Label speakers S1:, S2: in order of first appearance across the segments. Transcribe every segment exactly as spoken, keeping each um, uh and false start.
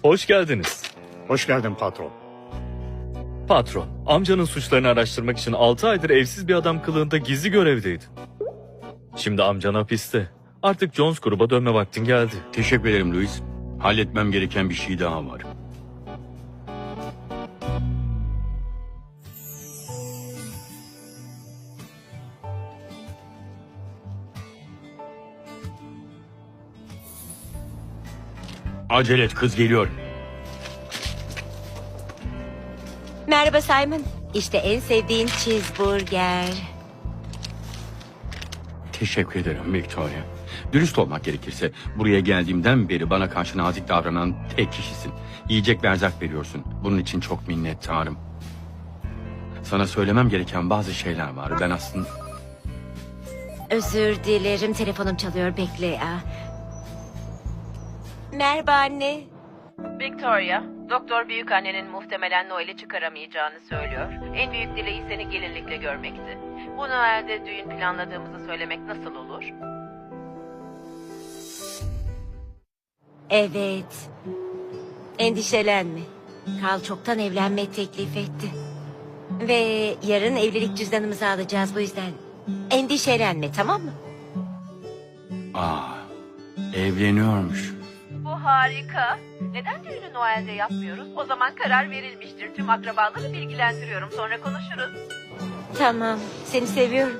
S1: Hoş geldiniz.
S2: Hoş geldin patron.
S1: Patron, amcanın suçlarını araştırmak için altı aydır evsiz bir adam kılığında gizli görevdeydi. Şimdi amcan hapiste. Artık Jones gruba dönme vaktin geldi.
S3: Teşekkür ederim Louis. Halletmem gereken bir şey daha var. Acele et, kız geliyor.
S4: Merhaba Simon. İşte en sevdiğin cheeseburger.
S3: Teşekkür ederim Victoria. Dürüst olmak gerekirse buraya geldiğimden beri bana karşı nazik davranan tek kişisin. Yiyecek ve erzak veriyorsun. Bunun için çok minnettarım. Sana söylemem gereken bazı şeyler var. Ben aslında...
S4: Özür dilerim. Telefonum çalıyor. Bekle. Aa. Merhaba anne.
S5: Victoria, doktor büyükannenin muhtemelen Noel'i çıkaramayacağını söylüyor. En büyük dileği seni gelinlikle görmekti. Bu Noel'de düğün planladığımızı söylemek nasıl olur?
S4: Evet. Endişelenme. Carl çoktan evlenme teklif etti. Ve yarın evlilik cüzdanımızı alacağız bu yüzden. Endişelenme, tamam mı?
S3: Aa, evleniyormuş.
S5: Bu harika. Neden düğünü Noel'de yapmıyoruz? O zaman karar verilmiştir. Tüm akrabaları bilgilendiriyorum. Sonra konuşuruz.
S4: Tamam, seni seviyorum.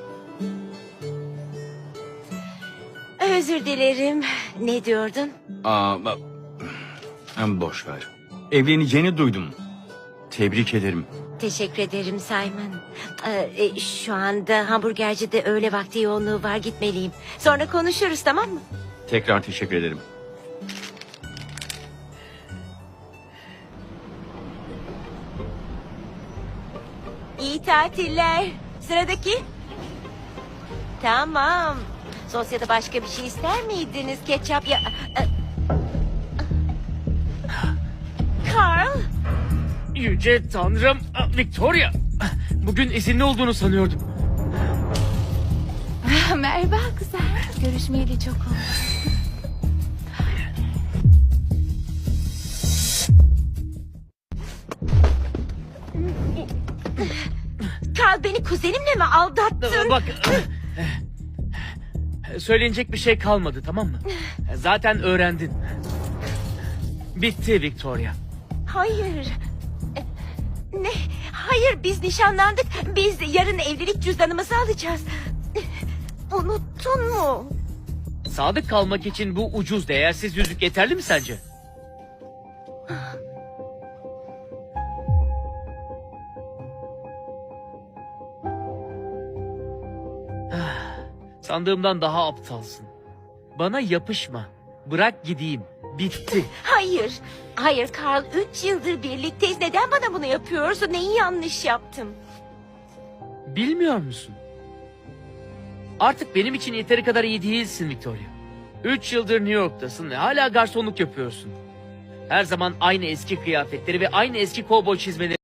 S4: Özür dilerim. Ne diyordun?
S3: Aa, ba- Hem boş ver. Evleneceğini duydum. Tebrik ederim.
S4: Teşekkür ederim Simon. Ee, e, şu anda hamburgercide öğle vakti yoğunluğu var, gitmeliyim. Sonra konuşuruz, tamam mı?
S3: Tekrar teşekkür ederim.
S4: İyi tatiller. Sıradaki. Tamam. Sosyada başka bir şey ister miydiniz? Ketçap ya... Carl.
S6: Yüce Tanrım, Victoria. Bugün izinli olduğunu sanıyordum.
S7: Merhaba güzel. Görüşmeyeli çok oldu.
S4: Carl, beni kuzenimle mi aldattın?
S6: Bak, söylenecek bir şey kalmadı, tamam mı? Zaten öğrendin. Bitti Victoria.
S4: Hayır. Ne? Hayır, biz nişanlandık. Biz yarın evlilik cüzdanımızı alacağız. Unuttun mu?
S6: Sadık kalmak için bu ucuz, değersiz yüzük yeterli mi sence? Sandığımdan daha aptalsın. Bana yapışma. Bırak gideyim. Bitti.
S4: Hayır. Hayır Carl, üç yıldır birlikteyiz. Neden bana bunu yapıyorsun? Neyi yanlış yaptım?
S6: Bilmiyor musun? Artık benim için yeteri kadar iyi değilsin Victoria. Üç yıldır New York'tasın ve hala garsonluk yapıyorsun. Her zaman aynı eski kıyafetleri ve aynı eski kovboy çizmeleri